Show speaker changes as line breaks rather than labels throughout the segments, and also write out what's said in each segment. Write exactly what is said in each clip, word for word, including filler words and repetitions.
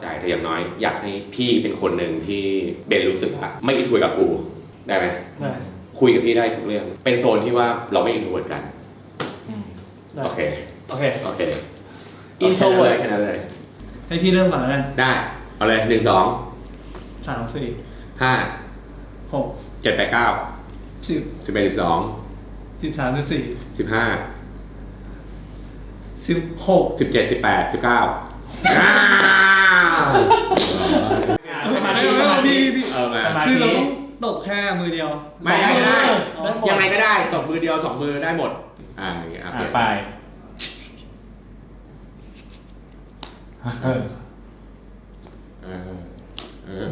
ใจแต่อย่างน้อยอยากให้พี่เป็นคนหนึ่งที่เบนรู้สึกว่าไม่อินคุยกับกูได้ไหมได้คุยกับพี่ได้ทุกเรื่องเป็นโซนที่ว่าเราไม่อินโทรเวิร์ดกันโอเค
โอเค
โอเคอินโทรเวิร์ดแค่นั้นเลย
ให้พี่เริ่มก่อนแล้วกัน
ได้เอาเลยหนึ่งสอง
สามสี่
ห้า
หก
เจ็ดแปดเก้า
สิบ
สิบเอ็ดสิบสอง
สิบสามสิบสี่
สิบห้า
สิบหก
สิบเจ็ดสิบแปดสิบเก้า
สมาธิสมาธิพี่เออมาคือเราต้องตบแค่มือเดียว
ไม่ได้ก็ได้ยังไงก็ได้ตบมือเดียวสองมือได้หมดอ่าอย่างเงี้ย
ไป
เออเออเออ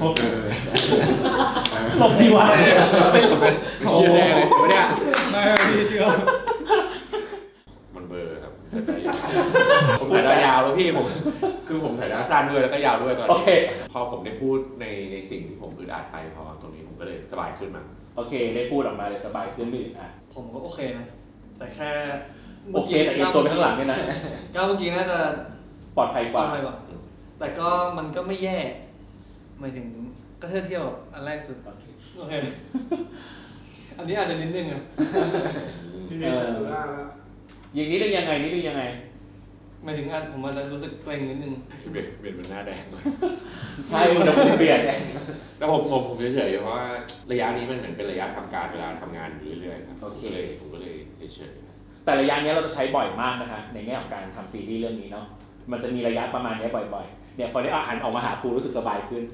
หลบดีวะ
ไม่หลบเลยโอ้โหไม่ได้
ไม่พี่เชื่อ
มันเบอร์ครับผมถ่ายได้ยาวแล้วพี่ผมคือผมถ่ายได้สั้นด้วยแล้วก็ยาวด้วยตอนนี้พอผมได้พูดในในสิ่งที่ผมอึดอัดไปพอตรงนี้ผมก็เลยสบายขึ้นมา
โอเคได้พูดออกมาเลยสบายขึ้นไม่อึดอัด
ผมก็โอเคนะแต่แค่
โอเคแต่อีกตัวไปข้างหลังเนี่ยนะ
ก้าวเมื่อกี้น่าจะ
ปลอดภัยกว่า
แต่ก็มันก็ไม่แย่หมายถึงก็เทียบเทียบกับอันแรกสุดโอเคโอเคอันนี้อาจจะนิดนึงอ่ะ
นิดนึงดูหน้าแล้วอย่างนี้ได้ยังไงนี่ได้ยังไง
หมายถึงอันผมอาจจะรู้สึกเกรงนิดนึง
เบียดเบียดมันหน้าแดงเลย
ใช่มันจะเบียด
แต่ผมผมผมเฉยๆเพราะว่าระยะนี้มันเหมือนเป็นระยะทำการเวลาทำงานอยู่เรื่อยๆครับโอเคผมก็เลยเฉย
ๆแต่ระยะนี้เราจะใช้บ่อยมากนะฮะในแง่ของการทำซีรีส์เรื่องนี้เนาะมันจะมีระยะประมาณนี้บ่อยๆเนี่ยพอได้อาหารออกมาหาครูรู้สึกสบายขึ้น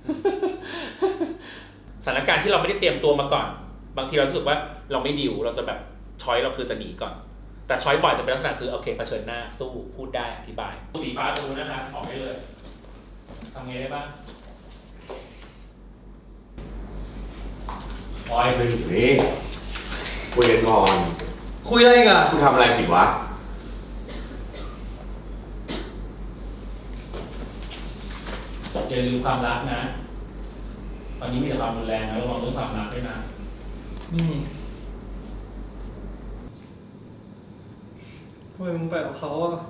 สถานการณ์ที่เราไม่ได้เตรียมตัวมาก่อนบางทีเรารู้สึกว่าเราไม่ดิวเราจะแบบช้อยเราคือจะหนีก่อนแต่ช้อยบ่อยจะเป็นลักษณะคือโอเคเผชิญหน้าสู้พูดได้อธิบายสีฟ้าตรงนู้นนะครับออกได้เลยทำไงได้บ้าง
ปล่อยไปอยู่นี่คุยกันก่อน
คุยอะไรกัน
คุณทำอะไรผิดวะ
อย่าลืมความรักนะตอนนี้มีแต่ความรุนแรงนะระวังเรื่องความรักด้วยนะ
ไม่มีทำไมมึงไปกับเขาอ่ะ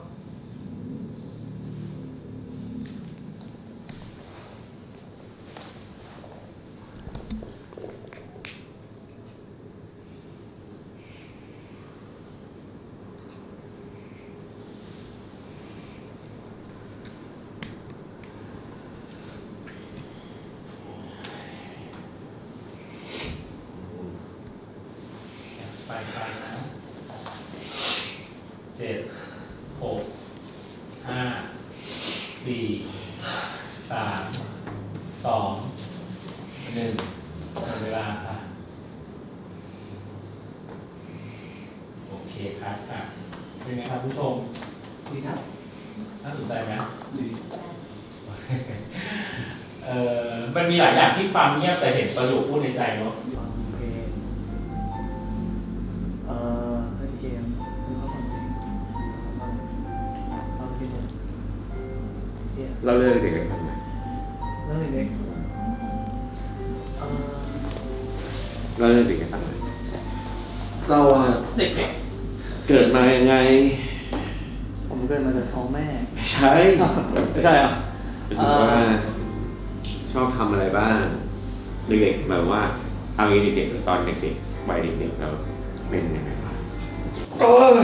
ไปไปนะเจ็ดหกห้าสี่สามสองหนึ่งหมดเวลาค่ะโอเคครับค่ะเป็นไงครับผู้ชมดีครับน่าสนใจไหมดีเอ่อมันมีหลายอย่างที่ฟังเงียบแต่เห็นประโยคพูดในใจเนาะ
เราเลิกเด็กกันทำไม
เลิกเด็ก
เราเลิกเด็กกันทำไมเราอะ
เด็ก
เกิดมายังไง
ผมเกิดมาจากท้องแม่
ไม่ใช่
ไม่ใช่อ่ะ
เป็นว่าชอบทำอะไรบ้างเด็กๆแบบว่าเอางี้เด็กๆตอนเด็กๆวัยเด็กๆเราเป็นยังไงบ้าง
โอ้ย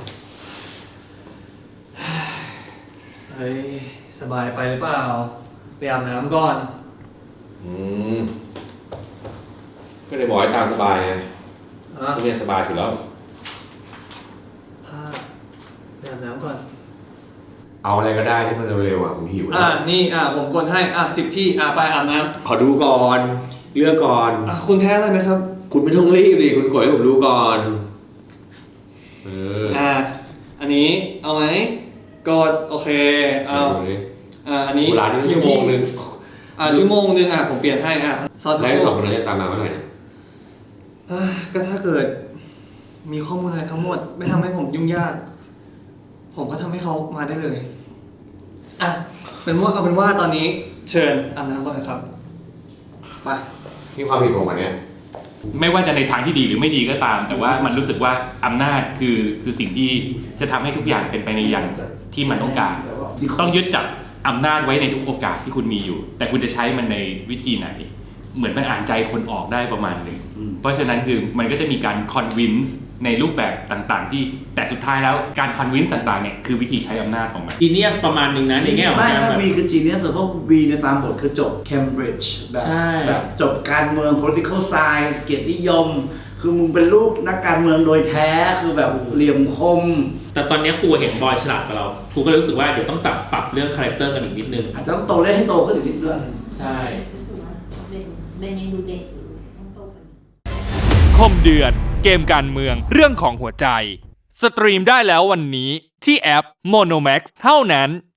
เฮ้ยสบายไปหรือเปล่าไปอาบน้ำก่อน
อืมก็เลยบอกให้ตามสบายไงทุกอย่างสบายสุดแล้ว
ผ้าไปอาบน้ำก่อน
เอาอะไรก็ได้ที่มันเร็วๆอ่ะผมหิว
อ่ะนี่อ่ะผมกดให้อ่ะสิบที่อ่ะไปอาบน้ำ
ขอดูก่อนเลือกก่อน
อ่ะคุณแพ้อะไรไหมครับ
คุณไม่ต้องรีบดิคุณกดให้ผมดูก่อนเออ
อ่ะอันนี้เอาไหมกดโอเคเอาอ่าอันนี้
ร้านนี้ชั่วโมงนึง
อ่าชั่วโมงนึงอ่ะผมเปลี่ยนให้อ่ะ
ซอสแล้วสองคนนั้นจะตามมาเมื่อไหร่นะ
ก็ถ้าเกิดมีข้อมูลอะไรทั้งหมดไม่ทำให้ผมยุ่งยากผมก็ทำให้เขามาได้เลยอ่ะเป็นว่าเอาเป็นว่าตอนนี้เชิญอาบน้ำก่อนครับไป
นี่ความผิดผมอันเนี้ย
ไม่ว่าจะในทางที่ดีหรือไม่ดีก็ตามแต่ว่ามันรู้สึกว่าอำนาจคือคือสิ่งที่จะทำให้ทุกอย่างเป็นไปในอย่างที่มันต้องการต้องยึดจับ
อำนาจไว้ในทุกโอกาสที่คุณมีอยู่ แต่คุณจะใช้มันในวิธีไหน เหมือนมันอ่านใจคนออกได้ประมาณหนึ่งเพราะฉะนั้นคือมันก็จะมีการ convince ในรูปแบบต่างๆที่แต่สุดท้ายแล้วการ convince ต่างๆเนี่ยคือวิธีใช้อำนาจของมัน
จีเนียสประมาณนึงนะในแง่ของ
ไม่
การ
ไม่
แบบ
วีคือจีเนียสเพราะวีในตามบทคือจบ Cambridge แบบ
ใช่
แบบจบการเมือง political science เกียรตินิยม คือมึงเป็นลูกนักการเมืองโดยแท้คือแบบเหลี่ยมคม
แต่ตอนนี้ครูเห็นบอยฉลาดกว่าเราครูก็เลยรู้สึกว่าเดี๋ยวต้องปรับปรับเรื่องคาแรคเตอร์กันอีกนิดนึง
อาจจะต้องโตเล่นให้โตขึ้นอีกนิดด้วย
ใช่
รู้สึกว่าเบนเบนยังดูเด็กอยู่ต้องโตกว่านี้
คมเดือดเกมการเมืองเรื่องของหัวใจ สตรีมได้แล้ววันนี้ที่แอป Monomax เท่านั้น